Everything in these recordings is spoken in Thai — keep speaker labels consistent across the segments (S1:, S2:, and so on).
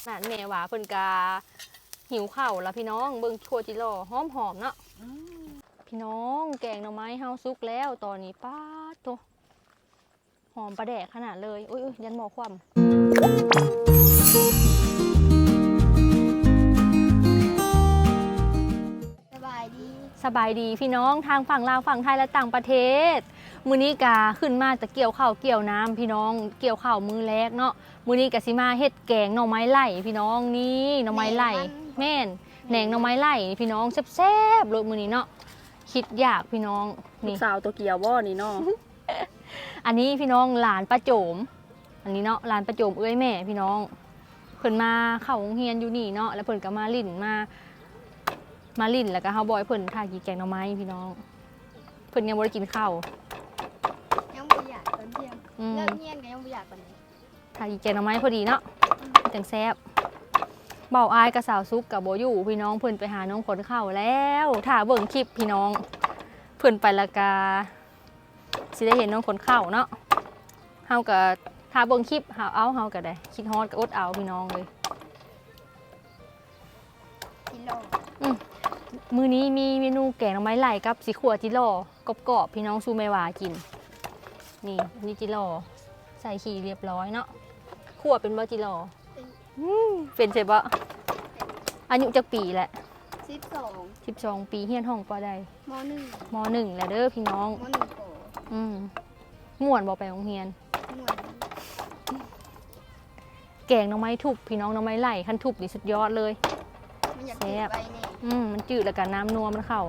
S1: น่ะแม่ว่าเพิ่นกาหิวข้าวแล้วพี่น้องเบิ่งครัวจิโร่หอมๆเนาะพี่น้องแกงหน่อไม้เฮาสุกแล้วตอนนี้ป๊าดโตหอมประแดกขนาดเลยอุ้ยยันหมอความสบายดีพี่น้องทางฝั่งลาวฝั่งไทยและต่างประเทศมื้อนี้กาขึ้นมาแต่เกี่ยวข้าวเกี่ยวน้ำพี่น้องเกี่ยวข้าวมือแรกเนาะมื้อนี้กะสิมาเฮ็ดแกงหน่อไม้ไล่พี่น้องนี่หน่อไม้ไล่แม่นแหนงหน่อไม้ไล่พี่น้องแซ่บๆเลยมื้อนี้เนาะคิดยากพี่น้องนี่
S2: สาวตัวเกี่ยวบ่นี่เนาะ
S1: อันนี้พี่น้องหลานป้าโจมอันนี้เนาะหลานป้าโจมเอ้ยแม่พี่น้องเพิ่นมาเข้าโรงเรียนอยู่นี่เนาะแล้วเพิ่นก็มาลิ่นแล้วก็เฮาบอยเพิ่นท่ากินแกงหน่อไม้พี่น้องเพิ่นยังบ่ได้กินข้าว
S3: ยังบ่อยากตอนเที่ยงเลิกเงียนก็ยังบ่อยากปานนี้
S1: ท่ากินแกงหน่อไม้พอดีเนาะจังแซ่บเบาอายกับสาวซุกกับโบอยู่พี่น้องเพิ่นไปหาน้องขนข้าวแล้วถ้าเบิ่งคลิปพี่น้องเพิ่นไปละกาสิได้เห็นน้องขนข้าวเนาะเฮาก็ถ้าเบิ่งคลิปเฮาก็ได้คิดฮอดก็อดเอาพี่น้องเลย
S3: กิโล
S1: มื้อนี้มีเมนูแกงหน่อไม้ไล่กับสิขั่วจิโร่กรอบๆพี่น้องซูเมวากินนี่จิโร่ใส่ขี้เรียบร้อยเนาะขั่วเป็นบ่จิโร่เป็นใช่ปะอายุจักปีแหละ12 ปีเฮียนห้องปอใดม.1แล้วเด้อพี่น้อง
S3: ม.1โต
S1: ม่วนบ่ไปโรงเรียน
S3: ม่วน
S1: แกงหน่อไม้ทุบพี่น้องหน่อไม้ไล่คันทุบนี่สุดยอดเลย
S3: มันอยากจืดไปนี่
S1: มันจืดแล้วก็น้ำนัวมันเข้า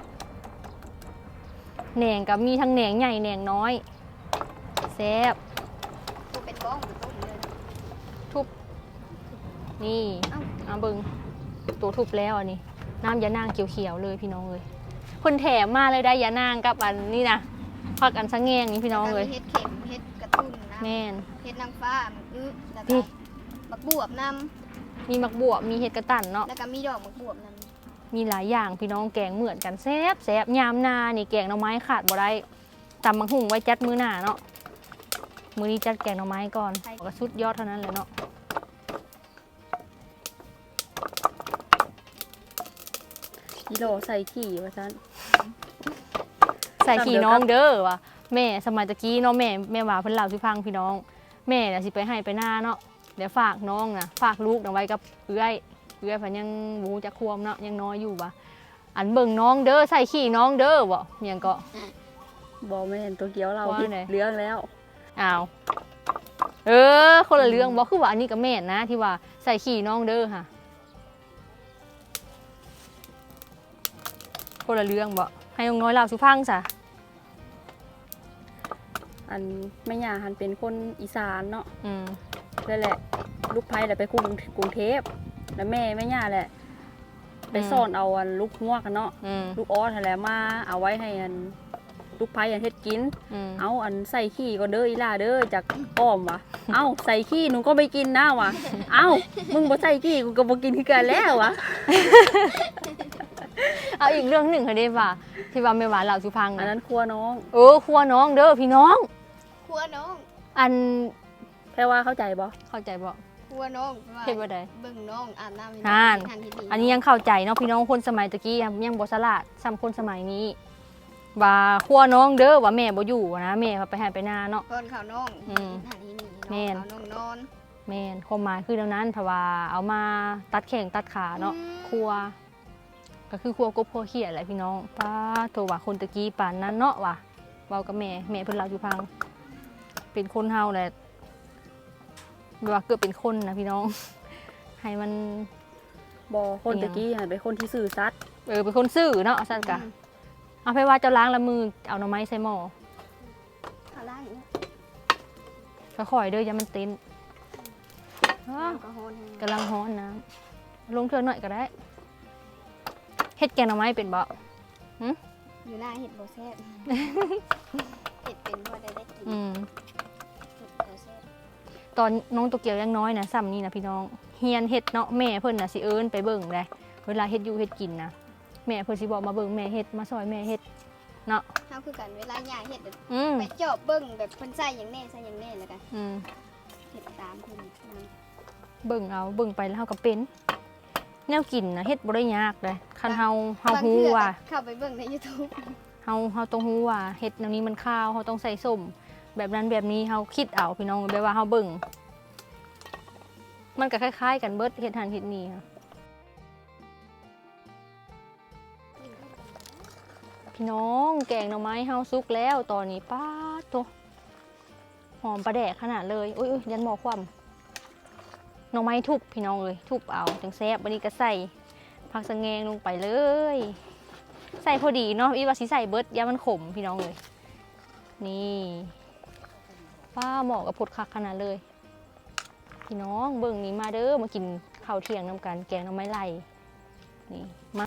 S1: แหนงกับมีทั้งแหนงใหญ่แหนงน้อยแซ่บ
S3: ตัวเป็นบ้องหรือต้มเลย
S1: ทุบนี่เอาเบิ่งตัวทุบแล้วอันนี้น้ำยานางเขียวๆเลยพี่น้องเลยคนแถมมาเลยได้ยานางกับอันนี้นะพักอันสังแงงนี่พี่น้องเลย
S3: เฮ็ดเข็มเฮ็ดกระตุ้นนะ
S1: แม่น
S3: เฮ็ดนางฟ้าแล้วก็บักบวบนำ
S1: มีมักบวบมีเห็ดกระตันเนาะ
S3: แล้วก็มีดอกบักบวบนำ
S1: มีหลายอย่างพี่น้องแกงเหมือนกันแซ่บยามนานี่แกงหน่อไม้ขาดบ่ได้ตำบักหุ่งไว้จัดมื้อหน้าเนาะมื้อนี้จัดแกงหน่อไม้ก่อนก็สุดยอดเท่านั้นเลยเนาะ
S2: กิโลใส่ขี้ว่าซั่น
S1: ใส่ขี้น้องเด้อว่ะแม่สมัยตะกี้เนาะแม่ว่าเพิ่นเล่าสิฟังพี่น้องแม่น่ะสิไปให้ไปหน้าเนาะเดี๋ยวฝากน้องนะฝากลูกนะไว้กับเอื้อยเพันยังบูจะควมเนาะยังน้อยอยู่ว่ะอันเบิ่งน้องเด้อใส่ขี้น้องเด้อบ่เมียงก็
S2: บ่แม่นตัวเกี่ยวเราผิดเรื่องแล้ว
S1: อ้าวคนละเรื่องบ่คือว่าอันนี้ก็แม่นนะที่ว่าใส่ขี้น้องเด้อค่ะคนละเรื่องบ่ให้น้องน้อยเล่าสุฟังซะ
S2: อันแม่ย่าหันเป็นคนอีสานเนาะนั่นแหละลูกไผ่แหละไปกรุงเทพแล้วแม่ย่าแหละไปซ่อนเอาอันลูกงวกกันเนาะลูกออสแหละมาเอาไว้ให้อันลูกไผ่อันเฮ็ดกินเอาอันใส่ขี้ก็เด้ออีล่าเด้อจากอ้อมวะเอาใส่ขี้หนูก็ไม่กินนะวะเอามึงบ่ใส่ขี้กูก็บ่กินคือกันแล้ววะ
S1: เอาอีกเรื่องหนึ่งค่ะเด้ว่าที่ว่าแม่หวานเล่าสุฟัง
S2: อันนั้นครัวน้อง
S1: ครัวน้องเด้อพี่น้อง
S3: ครัวน้อง
S1: อัน
S2: แค่ว่าเข้าใจบ่
S1: ค
S3: รัวน้อง
S1: เฮ็ดบ่ได้
S3: เบิ่งน้องอาบน้ำ
S1: อันนี้ยังเข้าใจเนาะพี่น้องคนสมัยตะกี้ยังบ่ฉลาดซ้ำคนสมัยนี้ว่าครัวน้องเด้อว่าแม่บ่อยู่นะแม่ไปให้ไปนาเนาะ
S3: คนเขาน้องหันนี่
S1: แม่น
S3: น้องนอน
S1: แม่นความหมายคือดังนั้นเพราะว่าเอามาตัดแข้งตัดขาเนาะครัวก็คือครัวกบครัวเขียดแหละพี่น้องป้าโทรว่าคนตะกี้ป่านนั้นเนาะว่ะเว้ากับแม่เพิ่นเล่าอยู่พังเป็นคนเฮาแหละว่าเกือบเป็นคนนะพี่น้องให้มัน
S2: บ่คนตะกี้เป็นคนที่ซื่อสัตย์
S1: เป็นคนซื่อเนาะสัตย์กะเอาไปว่าเจ้าล้างละมือเอาหน่อไม้ใส่หม้อ
S3: ล้าง
S1: ค่อยๆเด้ออย่ามันเต้นกำลังฮ้อนนะลงเทื่อหน่อยก็ได้เฮ็ดแกงหน่อไม้เป็นบ่
S3: อยู่หน้าเฮ็ดบ่แซ่บเฮ็ดเป็นบ่ได้กิน
S1: ตอนน้องตัวเกียวยังน้อยนะซ้ำนี่นะพี่น้องเฮียนเฮ็ดเนาะแม่เพิ่นน่ะสิเอิ้นไปเบิ่งเลยเวลาเฮ็ดอยู่เฮ็ดกินนะแม่เพิ่นสิบอกมาเบิ่งแม่เฮ็ดมาซอยแม่เฮ็ดเนาะ
S3: เฮาคือกันเวลาย่าเฮ็ดไปจอบเบิ่งแบบเพิ่นใส่หยังแน่แล้วกันเฮ็ดตามเพิ่น
S1: เบิ่งเอาเบิ่งไปแล้วเฮาก็เป็นแนวกินนะเฮ็ดบ่ได้ยากเลยคันเฮาฮู้ว่า
S3: เข้าไปเบิ่งใน YouTube
S1: เฮาต้องฮู้ว่าเฮ็ดแนวนี้มันข้าวเฮาต้องใส่ส้มแบบนั้นแบบนี้เฮาคิดเอาพี่น้องแบบว่าเฮาเบิ่งมันก็คล้ายๆกันเบิดเฮ็ดหันเฮ็ดนี่ค่ะพี่น้องแกงหน่อไม้เฮาสุกแล้วตอนนี้ป๊าดโตหอมปลาแดกขนาดเลยอุ้ยยันหมอความหน่อไม้ทุบพี่น้องเอ้ยทุบเอาจังแซ่บวันนี้ก็ใส่ผักสะแงงลงไปเลยใส่พอดีเนาะอีว่าสิใส่เบิดยามันขมพี่น้องเลยนี่ป้าเหมาะกับผดคักขนาดเลยพี่น้องเบิ่งนี้มาเด้อมากินข้าวเที่ยงน้ำกันแกงหน่อไม้ไล่นี่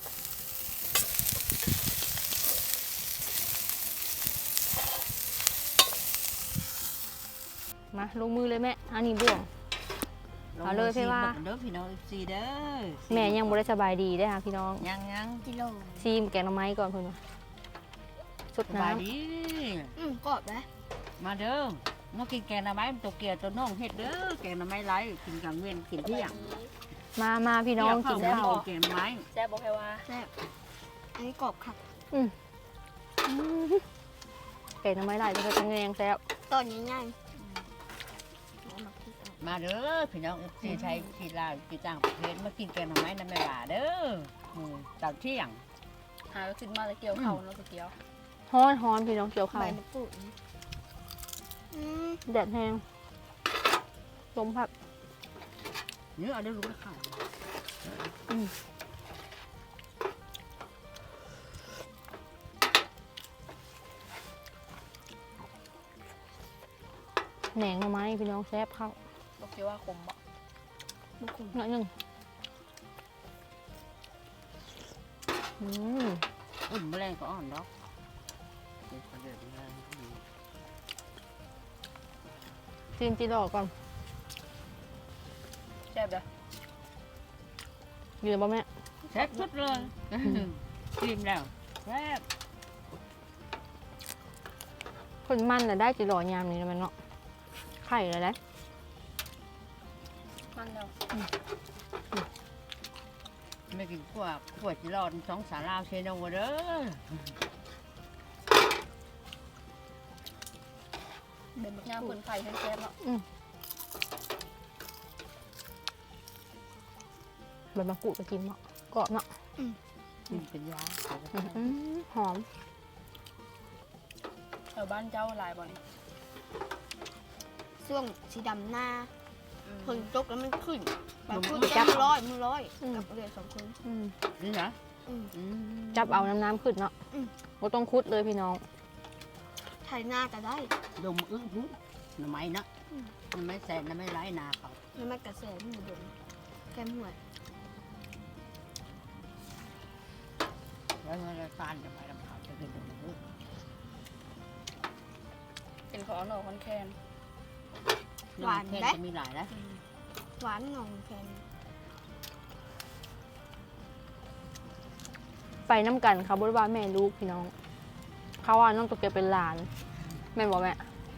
S1: มาลงมือเลยแม่อันนี้บ่วง เอาเลยพี่ว่า
S4: เด้อพี่น้องซีเด้อ
S1: แม่ยังบ่ได้สบายดีได้อค่ะพี่น้อง
S4: ยัง
S3: กิโล
S1: ซีมแกงหน่อไม้ก่อนเพิ่นว่าสด
S4: สบาย
S1: น้ำ
S4: ดี
S3: กรอบนะ
S4: มาเด้อมากินแกงหน่อไม้ตัวเกียวตัวน้องเฮ็ดเด้อแกงหน่อไม้ไร้กินกลางเว้นกินเที่ยง
S1: มาพี่น้องกินข้าว
S4: แกงหน่อไม้
S2: แซ่บบ่แพ้ว่า
S3: แซ่บอันนี้กรอบค่ะ
S1: แกงหน่อไม้ไล่จะเป็นแงงแซ่บ
S3: ตอนนี้ง่าย
S4: มาเด้อพี่น้องซีไทยซีลาวซีต่างประเทศมากินแกงหน่อไม้น้ำแม่ว่าเด้อตอนเที่ยง
S2: หาขึ้นมาแล้วเกี่ยวเข้าเนาะตัวเกี่ยว
S1: ฮ้อนพี่น้องเกี่ยวข้าว
S3: ใบมะกรูดนะอืม
S1: แดดแห้งลมพัด
S4: เนื้อเอาได้รู้ข้าว
S1: แหนงหน่อไม้พี่น้องแซ่บข้าว
S2: ตัวเกี่ยวว่าขมบ่
S3: มะกรูด
S1: หน่อยหนึงอืม
S4: อุ่นแมลงก็อ่อนดอก
S1: จิ้มจีดอกก่อน
S2: แซ่บเด้อ
S1: อยู่ในบ่แม่
S4: แซ่บสุดเลยกินแล้วแซ่บ
S1: คนมันน่ะได้จีดอกยามนี้นะแมันเนาะไข่เลยนะ
S2: มันแล้ว
S4: ไม่กินขวดจีรอดสองสาลาวเชนเอาเด้อ
S2: เป็นบักย่างเพิ่นไข่แซ่บๆเนาะ
S1: ใบมะกรูดไปกินเนาะกรอบเนาะ
S4: กินเป็นยา
S1: หอม
S2: แถวบ้านเจ้าหลายบ่นี่
S3: ช่วงสีดำหน้าฝนตกแล้วมันขึ้นแบบขึ้น
S1: จับ
S3: มือร้อยกับเรือสองคน
S4: นี่นะ
S1: จับเอาน้ำขึ้นเนาะบ่ต้องคุดเลยพี่น้อง
S3: ไทยหน้าก็ได้
S4: ดมอึ้งหูหน่อไม้นะหน่อไม้แสนหน่อไม้ไร้นาเขา
S3: แล้วมันกระแสมือดมแก้มหัว
S4: แล้วมันจะฟานจะไปลำเขาจะกินดมอึ้ง
S2: เป็นของเอาหน่อคอนแคน
S4: หวานแค่จะมีหลายนะ
S3: หวานหนองแคน
S1: ไปน้ำกันเขาบริวารแม่ลูกพี่น้องเขาว่าน้องตัวเกียวเป็นหลานแม่นบอกแม่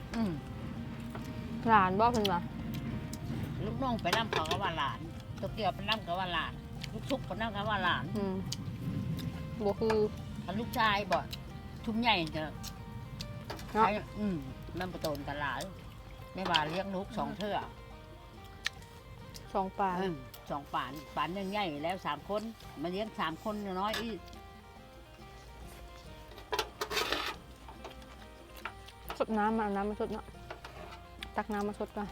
S1: หลานบอกเพิ่นว่า
S4: ลูกน้องไปน้ำเขาก็ว่าหลานตัวเกี่ยวไปน้ำก็ว่าหลานลูกชุบไปน้ำก็ว่าหลาน
S1: บ่คือ
S4: ถ้าลูกชายบ่ทุ่มใหญ่จะ
S1: เนาะ
S4: มันประตูนกันหลายแม่บาเลี้ยงลูก2 เทื่อ
S1: สองปลา
S4: 2 ป่านยังใหญ่แล้ว3 คนมาเลี้ยง3 คนน้อยอีก
S1: สดน้ำมาเอาน้ำมาสดเนาะตักน้ำมาสดก่อน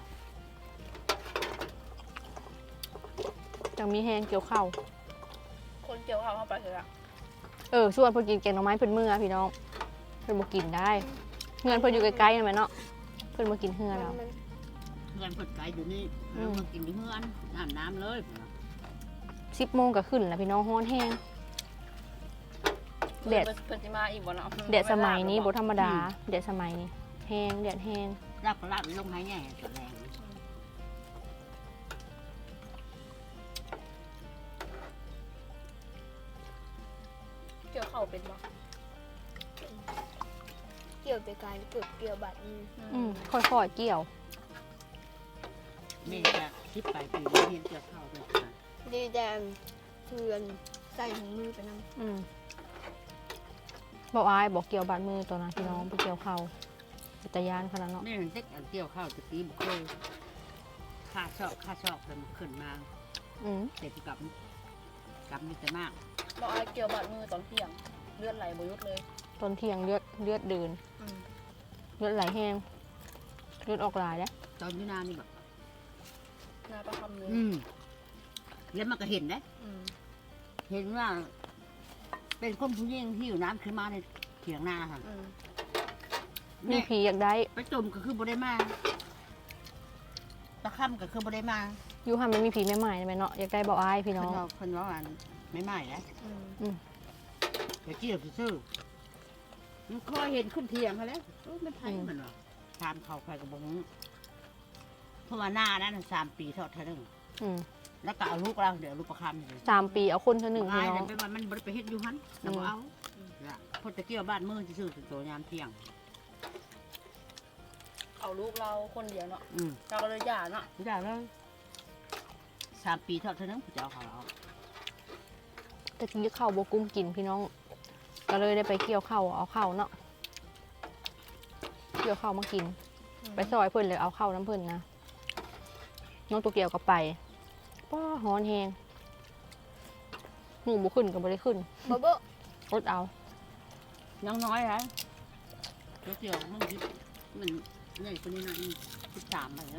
S1: จังมีแห้งเกี่ยวข้าว
S2: คนเกี่ยวเข้าไปเถอะ
S1: ส่วนเพิ่นกินแกงหน่อไม้เพิ่นมื้อพี่น้องเพิ่นบ่กินได้เงินเพิ่นอยู่ใกล้ๆนั่นแหละเนาะเพิ่นบ่กินเฮือเรา
S4: เพื่อนผดไก่อยู่นี่เรามากินที่เพื่อนน้ำเลย
S1: 10 โมงก็ขึ้นแล้วพี่น้องฮ้อนแห้ง แดด
S2: เพิ่นสิมาอีกบ่เนาะ
S1: แดดสมัยนี้บ่ธรรมดาแดดสมัยนี้แห้งแดดแห้ง
S4: รับก็รับลงให้แง่ตัวแรง
S2: เกี่ยวเข้าเป็นบ่
S3: เกี่ยวไปไกลเกือบเกี่ยวบัดนี้
S1: ค่อยๆเกี่ยว
S4: มีแต่ 10 ปลายปีแล้วเห็นเกี่ยวข้าวด้วยกัน
S3: ดีแดงเทือนใส่ถุงมือไปนำ
S1: บอกอายบอกเกี่ยวบาดมือตัวนั้นพี่น้องไปเกี่ยวเขาตะยานขนาดเนาะ
S4: นี่มันเด็กอันเกี่ยวข้าวตะกี้บ่เคยค่าชอบแต่มันขึ้นมา เด็กกับมีแต่มาก
S2: บอกไอ้เกี่ยวบาดมือตอนเที่ยงเลือดไหลบ่หยุดเลย
S1: ตอนเที่ยงเลือดเดินเลือดไหลแห้งเลือดออกหลายแล้ว
S4: ตอนอยู่นานี่แบบ
S2: นาประคำเลย
S4: แล้วมันก็เห็นนะเห็นว่า เป็นคนผู้หญิงที่อยู่น้ำขึ้นมาในเถียงนาค่ะ
S1: มีผีอยากได้
S4: ไปจมก็คือบ่ได้มาตะค่ำก็คือบ่ได้มา
S1: อยู่หันมันมีผีแม่ใหม่ไหมเนาะอยากได้บอกอายพี่น้อง
S4: คนว่าอันไม่ใหม่แล้วเดี๋ยวเกี่ยวซื่อมันคอยเห็นขึ้นเถียงเขาแล้วไม่ไพ่มันหรอกตามเขาไปกับบงเพราะว่าหน้านั้น3 ปีเท่านึงแล้วก็เอาลูกเราเดี๋ยวลูกประคำเลย
S1: 3 ปีเอาคนเท่าหนึ่งพี่
S4: อ้าย
S1: น้อง
S4: แต่ไปว่ามันบ่ได้ไปเฮ็ดอยู่หันแต่บ่เอาละพอตะเกียวบ้านมือซื่อๆถึงตัวยามเที่ยง
S2: เอาลูกเราคนเดียวเนาะ
S4: อืม
S2: เราก็เลยหย่าเนาะ
S4: ไม่ได้เลย3 ปีเท่านึงผู้เจ้าเขาเอา
S1: ตะกี้ข้าวบกุ้มกินพี่น้อง ก็เลยได้ไปเกี่ยวข้าวเอาข้าวเนาะเกี่ยวข้าวมากิน ไปซอยเพิ่นเลยเอาข้าวน้ำเพิ่นนะน้องตัวเกี่ยวก็ไปป้าฮ้อนแหงหนูบุขึ้นก็บ่ได้ขึ้น
S3: บ่บ่
S1: อดเอา
S4: ยังน้อยไรตะเกียวมันคิดมันใหญ่กว่านี้หน่อย13ไปแล้ว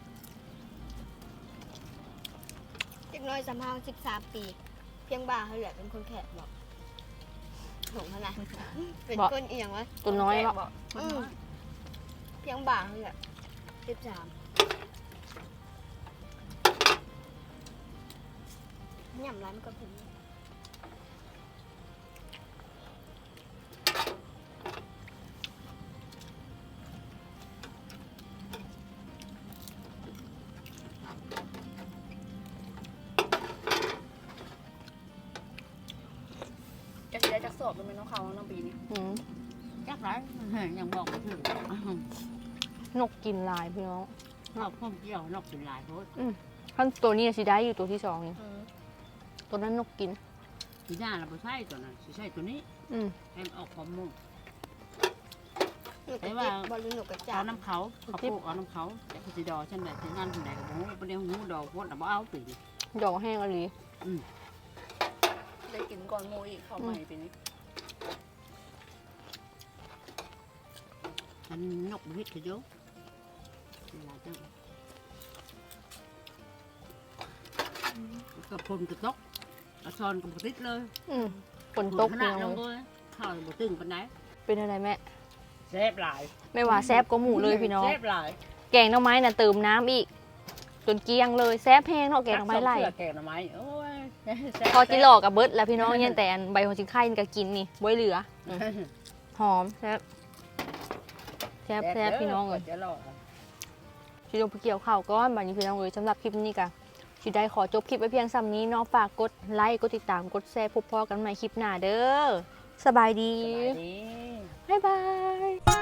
S3: เด็กน้อยสำเฮา13 ปี เพียงบ่าเขาแหละเป็นคนแขกบอกถงขนาดเป็นคนเอียงวะ
S1: ตัวน้อยเนาะ
S3: เพียงบ่าเขาแหละ13หย่ำร้านมันก็ผิด
S2: จะสิได้จักสอบเป็นน้องเขาน้องปีนี้
S4: จักไรยังบอกไม่ถึง
S1: นกกินลายพี่น้อง
S4: นอกพ่อเกี่ยวนอกเป็นลายโพส
S1: ขั้นตัวนี้สิได้อยู่ตัวที่2นี่ตัวนั้นนกกิน
S4: ทีหน้าเราไม่ใช่ตัวนั้นใช่ตัวนี้ให้มันออกความมุ่ง
S3: หนูกระจิบบอลลูนหนูกระจา
S4: เอาน้ำเขาปลูกเอาน้ำเขาแต่ก็สิดอฉันแบบฉันงานที่ไหนก็บอกประเดี๋ยวหูดอกโพสแต่บ่เอาปี
S1: ดอกแห้งอะไร
S2: ได้กินก่อนโมอีกข้าวใหม่ปีนี้
S4: มันนกวิทย์เยอะเวลาเจ้ากับพลกระตกกระซอนกับติดเลย
S1: ฝนตก
S4: ข
S1: พี่
S4: นาด
S1: น้
S4: ล
S1: อง
S4: งเลยข้าวบ่ตึงปานไหน
S1: เป็นอะไรแม่
S4: แซ่บหลาย
S1: ไม่ว่าแซบก็หมูเลยพี่น้อง
S4: แซ่บหลาย
S1: แกงหน่อไม้น่ะเติมน้ำอีกจนเกลี้ยงเลยแซบแห้งเนาะแกงหน่อไม้ไหล
S4: แกงหน่อไม้โอ้ย
S1: พอจิหลอกกับเบิร์ดแล้วพี่น้องยันแต่อันใบหัวชิงไข่นี่ก็กินนี่บ่เหลือหอมแซ่บแซ่บพี่น้องเลย
S4: จะหลอก
S1: ชิลงไปเกี่ยวข้าวก้อนบัดนี้พี่น้องเลยสำหรับคลิปนี้ก็สิได้ขอจบคลิปไว้เพียงซ้ำนี้เนาะฝากกดไลค์กดติดตามกดแชร์พบพอกันใหม่คลิปหน้าเด้อสบายดี
S4: สบายดี
S1: บ๊ายบาย